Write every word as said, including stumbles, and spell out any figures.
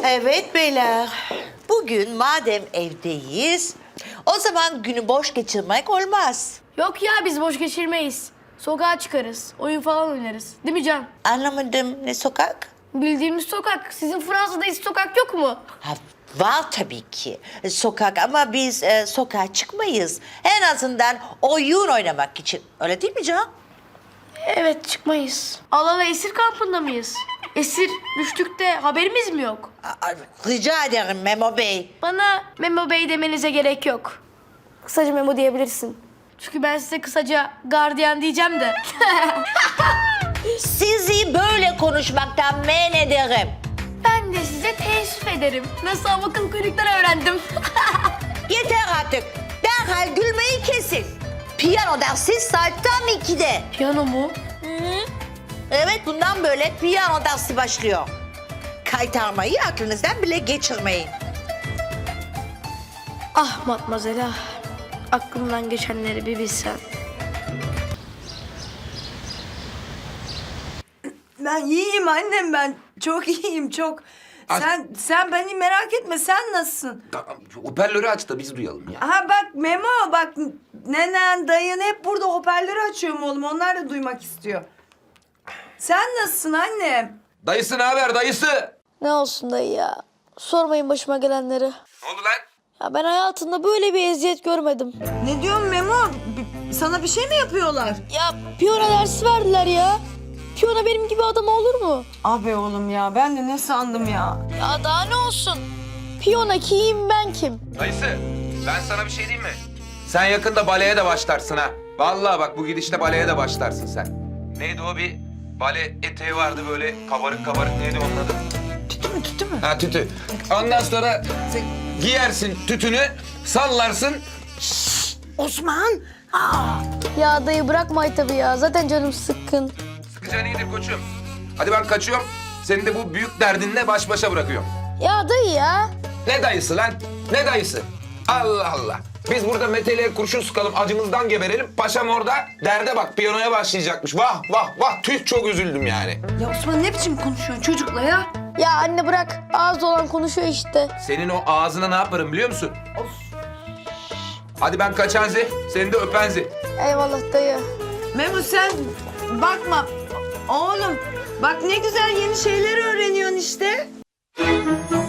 Evet beyler. Bugün madem evdeyiz, o zaman günü boş geçirmek olmaz. Yok ya biz boş geçirmeyiz. Sokağa çıkarız. Oyun falan oynarız. Değil mi Can? Anlamadım, ne sokak? Bildiğimiz sokak. Sizin Fransa'da hiç sokak yok mu? Ha, var tabii ki sokak ama biz e, sokağa çıkmayız. En azından oyun oynamak için. Öyle değil mi Can? Evet çıkmayız. Alala esir kampında mıyız? Esir düştük de haberimiz mi yok? Aa, rica ederim Memo Bey. Bana Memo Bey demenize gerek yok. Kısaca Memo diyebilirsin. Çünkü ben size kısaca gardiyan diyeceğim de. Sizi böyle konuşmaktan men ederim. Ben de size teessüf ederim. Nasıl akıl kuyrukları öğrendim. Yeter artık. Derhal gülmeyi kesin. Piyano dersi saat tam ikide. Piyano mu? Evet, bundan böyle piyano dersi başlıyor. Kaytarmayı aklınızdan bile geçirmeyin. Ah matmazel ah. Aklımdan geçenleri bir bilsen. Ben iyiyim annem ben. Çok iyiyim çok. Az- Sen sen beni merak etme. Sen nasılsın? Tamam, hoparlörü aç da biz duyalım ya. Aha bak Memo bak nenen dayın hep burada hoparlörü açıyorum oğlum. Onlar da duymak istiyor. Sen nasılsın annem? Dayısı ne haber dayısı? Ne olsun dayı ya. Sormayın başıma gelenleri. Ne oldu lan? Ya ben hayatımda böyle bir eziyet görmedim. Ne diyorsun Memo? B- sana bir şey mi yapıyorlar? Ya piyano dersi verdiler ya. Piyano benim gibi adam olur mu? Abi oğlum ya ben de ne sandım ya? Ya daha ne olsun? Piyano kim ben kim? Dayısı ben sana bir şey diyeyim mi? Sen yakında baleye de başlarsın ha. Vallahi bak bu gidişle baleye de başlarsın sen. Neydi o bir bale eteği vardı böyle kabarık kabarık neydi onun adı? Tütü mü tütü mü? Ha tütü. Ondan sonra sen giyersin tütünü sallarsın. Osman! Ya dayı bırakma tabii ya. Zaten canım sıkkın. Sıkıcan iyidir koçum. Hadi ben kaçıyorum. Seni de bu büyük derdinle baş başa bırakıyorum. Ya dayı ya. Ne dayısı lan? Ne dayısı? Allah Allah. Biz burada Mete'yle kurşun sıkalım, acımızdan geberelim. Paşam orada derde bak, piyanoya başlayacakmış. Vah vah vah, tüh çok üzüldüm yani. Ya Osman ne biçim konuşuyorsun çocukla ya? Ya anne bırak. Ağız olan konuşuyor işte. Senin o ağzına ne yaparım biliyor musun? Hadi ben kaçanzi, seni de öpenzi. Eyvallah dayı. Memo sen bakma. Oğlum bak ne güzel yeni şeyler öğreniyorsun işte.